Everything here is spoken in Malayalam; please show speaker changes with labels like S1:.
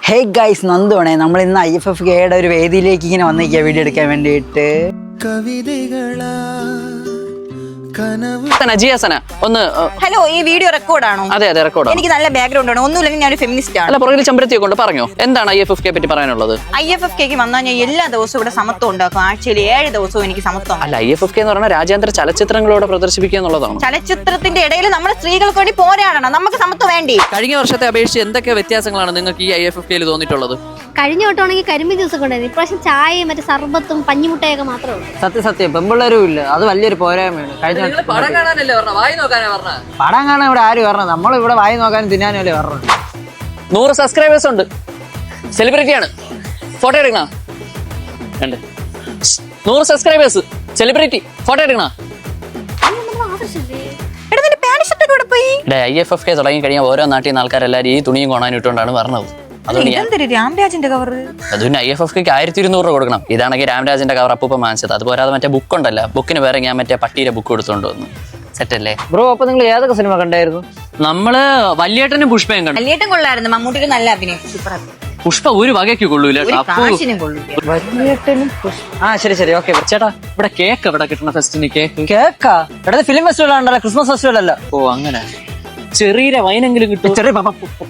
S1: Hey guys, നന്ദുവാണേ. നമ്മൾ ഇന്ന് IFFKയുടെ ഒരു വേദിയിലേക്ക് ഇങ്ങനെ വന്നിരിക്കുക വീഡിയോ എടുക്കാൻ വേണ്ടിയിട്ട്.
S2: ഹലോ, ഈ വീഡിയോ റെക്കോർഡാണോ?
S3: അതെ റെക്കോർഡ്.
S2: എനിക്ക് നല്ല ബാക്ക്ഗ്രൗണ്ട് ആണ്, ഒന്നുമില്ലെങ്കിൽ ഞാൻ ഒരു ഫെമിനിസ്റ്റ് ആണ്.
S3: അല്ല, പുറകിൽ ചെമ്പരത്തിയൊക്കെ കൊണ്ട് പറഞ്ഞോ, എന്താണ് IFFK പറ്റി പറയാനുള്ളത്?
S2: IFFKക്ക് വന്നാൽ ഞാൻ എല്ലാ ദിവസവും ഇവിടെ സമത്വം ഉണ്ടാക്കും. ആഴ്ചയിൽ 7 ദിവസവും എനിക്ക് സമത്വം.
S3: അല്ല, IFFK എന്ന് പറഞ്ഞാൽ രാജ്യാന്തര ചലച്ചിത്രങ്ങളോട് പ്രദർശിപ്പിക്കുക എന്നുള്ളതാണ്.
S2: ചലച്ചിത്രത്തിന്റെ ഇടയിൽ നമ്മൾ സ്ത്രീകൾക്ക് വേണ്ടി പോരാടണം, നമുക്ക് സമത്വം വേണ്ടി.
S3: കഴിഞ്ഞ വർഷത്തെ അപേക്ഷിച്ച് എന്തൊക്കെ വ്യത്യാസങ്ങളാണ് നിങ്ങൾക്ക് ഈ IFFKയിൽ തോന്നിയിട്ടുള്ളത്?
S4: കഴിഞ്ഞ വട്ടമാണെങ്കിൽ കരിമ്പ് ജ്യൂസ് ഒക്കെ ഉണ്ടായിരുന്നു. ഇപ്രാവശ്യം ചായയും മറ്റേ സർബത്തും പഞ്ഞിമുട്ടയൊക്കെ മാത്രമേ ഉള്ളൂ.
S1: സത്യം പെമ്പിള്ളേരും ഇല്ല, അത് വലിയൊരു പോരായ്മയാണ്. കഴിഞ്ഞ
S3: പടം കാണാനല്ലേ പറഞ്ഞ, വായി നോക്കാനാ പറഞ്ഞ?
S1: പടം കാണാൻ ഇവിടെ ആര് പറഞ്ഞത്? നമ്മളിവിടെ വായി നോക്കാനും തിന്നാനും അല്ലേ പറഞ്ഞത്.
S3: 100 സബ്സ്ക്രൈബേഴ്സ് ഉണ്ട്, സെലിബ്രിറ്റിയാണ്. ഫോട്ടോ എടുക്കണ? 100 സബ്സ്ക്രൈബേഴ്സ്, സെലിബ്രിറ്റി, ഫോട്ടോ എടുക്കണ? IFFK തുടങ്ങി കഴിഞ്ഞാൽ ഓരോ നാട്ടിൽ നിന്ന് ആൾക്കാരെല്ലാവരും ഈ തുണിയും കൊണാനും ഇട്ടുകൊണ്ടാണ് പറഞ്ഞത്.
S2: രാംരാജിന്റെ കവർ
S3: അത് പിന്നെ IFFKക്ക് 1200 രൂപ കൊടുക്കണം. ഇതാണെങ്കിൽ രാംരാജിന്റെ കവർ അപ്പൂപ്പം വാങ്ങിച്ചത്. അതുപോലെ മറ്റേ ബുക്ക് ഉണ്ടല്ലോ, ബുക്കിന് വേറെ ഞാൻ മറ്റേ പട്ടിയുടെ ബുക്ക് എടുത്തോണ്ട് വന്നു. സെറ്റല്ലേ
S1: ബ്രോ? അപ്പൊ നിങ്ങൾ ഏതൊക്കെ സിനിമ കണ്ടായിരുന്നു?
S3: നമ്മള് വല്യേട്ടനും പുഷ്പയും കണ്ടു.
S2: വല്യേട്ടൻ കൊള്ളായിരുന്നു, മമ്മൂട്ടിക്ക് നല്ല അഭിനയം.
S3: പുഷ്പ ഒരു വകയ്ക്ക് കൊള്ളൂല.
S1: ശരി ഓക്കെ.
S3: ചേട്ടാ, ഇവിടെ കേക്ക് എവിടെ കിട്ടണ ഫെസ്റ്റിന്?
S1: കേക്കാ? ഇവിടെ ഫിലിം ഫെസ്റ്റിവൽ ആണല്ലോ, ക്രിസ്മസ് ഫെസ്റ്റിവൽ അല്ല.
S3: ഓ അങ്ങനെ. ചെറിയ വൈനെങ്കിലും കിട്ടും.
S1: ചെറിയ